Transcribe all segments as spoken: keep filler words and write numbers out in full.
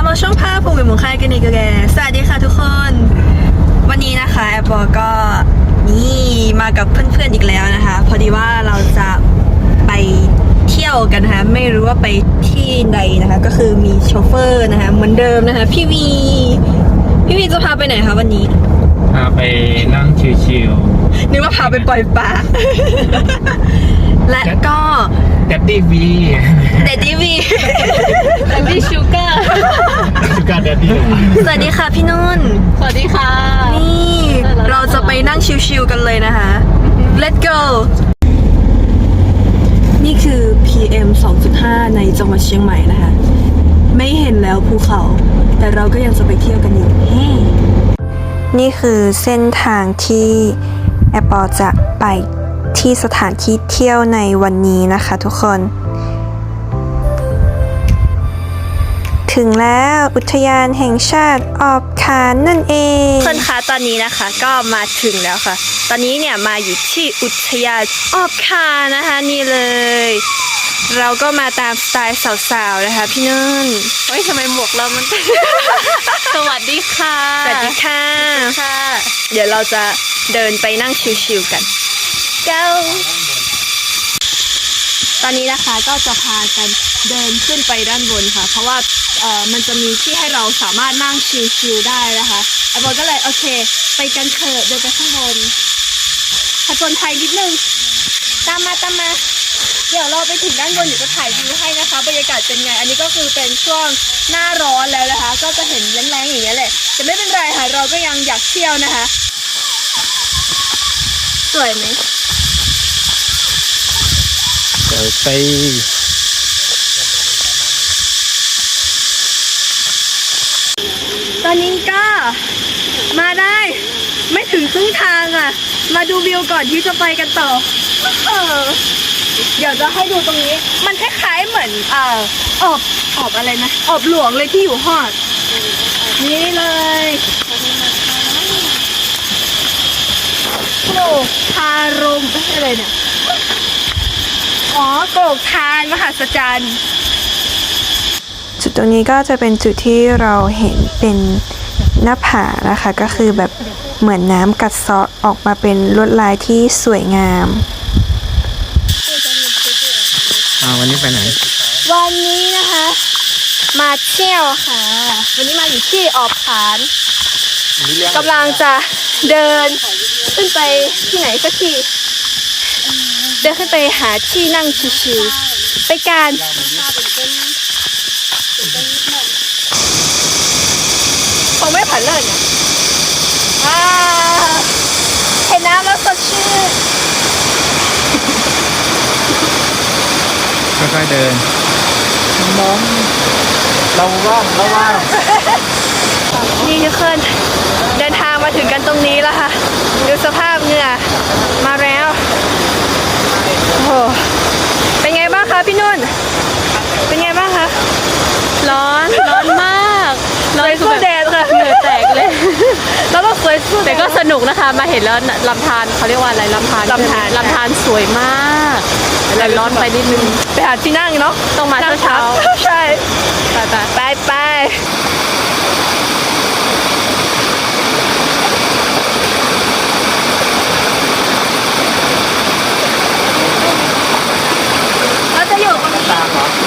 อช่องภาพภูมิมุงค่ายกันอีกแล้วสวัสดีค่ะทุกคนวันนี้นะคะแอปเปิลก็นี่มากับเพื่อนๆอีกแล้วนะคะพอดีว่าเราจะไปเที่ยวกันนะคะไม่รู้ว่าไปที่ใดนะคะก็คือมีโชเฟอร์นะคะเหมือนเดิมนะคะพี่วีพี่วีจะพาไปไหนคะวันนี้พาไปนั่งชิลๆนึกว่าพาไปปล่อยปลา และก็แดดดี้วีแดดดี้วีแดดดี้ชูการ์ชูการ์แดดดี้สวัสดีค่ะพี่นุ่นสวัสดีค่ะนี่เราจะไปนั่งชิลๆกันเลยนะคะ Let's go นี่คือ พี เอ็ม สองจุดห้า ในจังหวัดเชียงใหม่นะคะไม่เห็นแล้วภูเขาแต่เราก็ยังจะไปเที่ยวกันอยู่นี่คือเส้นทางที่แอปเปิลจะไปที่สถานที่เที่ยวในวันนี้นะคะทุกคนถึงแล้วอุทยานแห่งชาติออบคานนั่นเองเพื่อนคะตอนนี้นะคะก็มาถึงแล้วค่ะตอนนี้เนี่ยมาอยู่ที่อุทยานออบคานนะคะนี่เลยเราก็มาตามสไตล์สาวๆนะคะพี่นุ่นเฮ้ยทำไมหมวกเรามัน สวัสดีค่ะสวัสดีค่ะค่ะเดี๋ยวเราจะเดินไปนั่งชิลๆกันเจ้าตอนนี้นะคะก็จะพากันเดินขึ้นไปด้านบนค่ะเพราะว่าเอ่อมันจะมีที่ให้เราสามารถนั่งชิลๆได้นะคะแอปเปิลก็เลยโอเคไปกันเถอะเดินไปข้างบนผจญภัยนิดนึงตามมาตามมาเดี๋ยวเราไปถึงด้านบนเดี๋ยวจะถ่ายวิวให้นะคะบรรยากาศเป็นไงอันนี้ก็คือเป็นช่วงหน้าร้อนแล้วนะคะก็จะเห็นแรงๆอย่างนี้แหละแต่ไม่เป็นไรค่ะเราก็ยังอยากเที่ยวนะคะสวยไหมเดี๋ยวไปตอนนี้ก็มาได้ไม่ถึงครึ่งทางอ่ะมาดูวิวก่อนที่จะไปกันต่อเออเดี๋ยวจะให้ดูตรงนี้มันคล้ายๆเหมือนเอ่ออบอบอะไรนะอบหลวงเลยที่อยู่ฮอดนี่เลยโกรกทารมอะไรเนี่ยอ๋อโกรกทานมหัศจรรย์จุดตรงนี้ก็จะเป็นจุดที่เราเห็นเป็นหน้าผานะคะก็คือแบบเหมือนน้ำกัดเซาะออกมาเป็นลวดลายที่สวยงามอ่าวันนี้ไปไหนวันนี้นะคะมาเที่ยวค่ะวันนี้มาอยู่ที่ออบขานกำลังจะเดินขึ้นไปที่ไหนสักทีเดินขึ้นไปหาที่นั่งชิวๆไปกันคงไม่ผ่านเลยนะอ่าเห็นน้ำแล้วสดชื่นค่อยๆเดินมองเราว่างเราว่างนี่ทุกคนเดินทางมาถึงกันตรงนี้แล้วค่ะดูสภาพเหงื่อมาแล้วโอ้โหเป็นไงบ้างคะพี่นุ่นเป็นไงบ้างคะร้อนร้อนมากร้อนสู้แดดค่ะเหงื่อแตกเลยแล้วก็สวยสู้แต่ก็สนุกนะคะมาเห็นแล้วลำธารเขาเรียกว่าอะไรลำธารลำธารลำธารสวยมากแต่ร้อนไปนิดนึงไปหาที่นั่งเนาะต้องมาเช้าใช่ไปไปไปเราจะอยู่ตรงนี้ต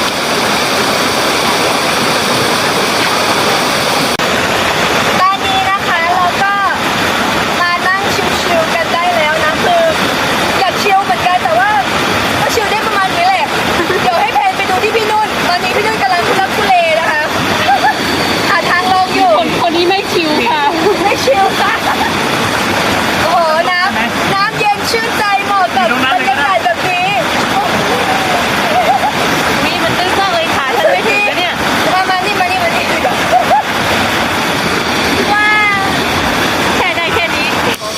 อนนี้นะคะเราก็มานั่งชิลๆกันได้แล้วนะคืออยากชิลเหมือนกันแต่ว่าก็ชิลได้ประมาณนี้แหละเดี๋ยวให้แพนไปดูที่พี่นุ่นตอนนี้พี่นุ่นกำลังทุลักทุเลนะคะหาทางลงอยู่คนคนนี้ไม่ชิวค่ะไม่ชิลค่ะโอ้โหน้ำน้ำเย็นชื่นใจเหมาะกับบรรยากาศแบบนี้นี่มันตื้นมากเลยขาฉันไม่ถึงนะเนี่ยมามานี่มานี่มานี่ว้าวแค่ได้แค่นี้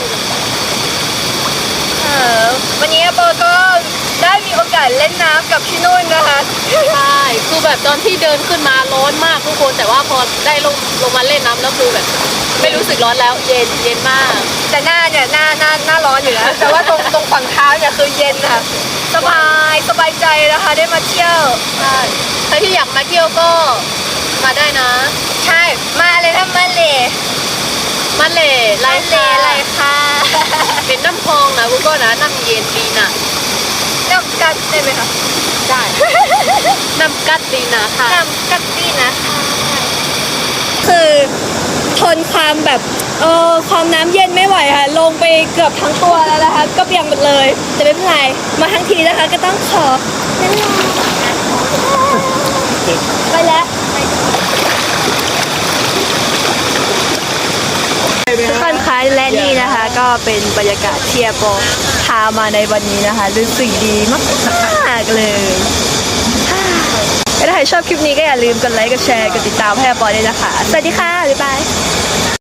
เออวันนี้โบก็ได้มีโอกาสเล่นน้ำกับพี่นุ่นนะคะใช่คือแบบตอนที่เดินขึ้นมาร้อนมากทุกคนแต่ว่าพอได้ลงลงมาเล่นน้ำแล้วคือแบบไม่รู้สึกร้อนแล้วเย็นเย็นมากแต่หน้าเนี่ยหน้าหน้าหน้าร้อนอยู่นะแต่ว่าตรงตรงฝั่งเท้าเนี่ยคือเย็นค่ะสบายสบายใจนะคะได้มาเที่ยวใช่ใครที่อยากมาเที่ยวก็มาได้นะมาเลยนะมาเลยมันเล่ไรมาเลยอะไรคะเป็นน้ำพองนะกูก็นะน้ำเย็นดีนะน้ำกัดได้ไหมคะได้น้ำกัดดีนะค่ะน้ำกัดดีนะคะคือทนความแบบเออความน้ำเย็นไม่ไหวค่ะลงไปเกือบทั้งตัวแล้วนะคะก็เปียกหมดเลยแต่ไม่เป็นไรมาทั้งทีนะคะก็ต้องขอนั่นแหละไปแล้ว ทุกคนคะและนี่นะคะก็เป็นบรรยากาศที่แอปเปิลพามาในวันนี้นะคะรู้สึกดีมากๆเลยถ้าใครชอบคลิปนี้ก็อย่าลืมกดไลค์กดแชร์กดติดตามให้แอปเปิลด้วยนะคะสวัสดีค่ะบ๊ายบาย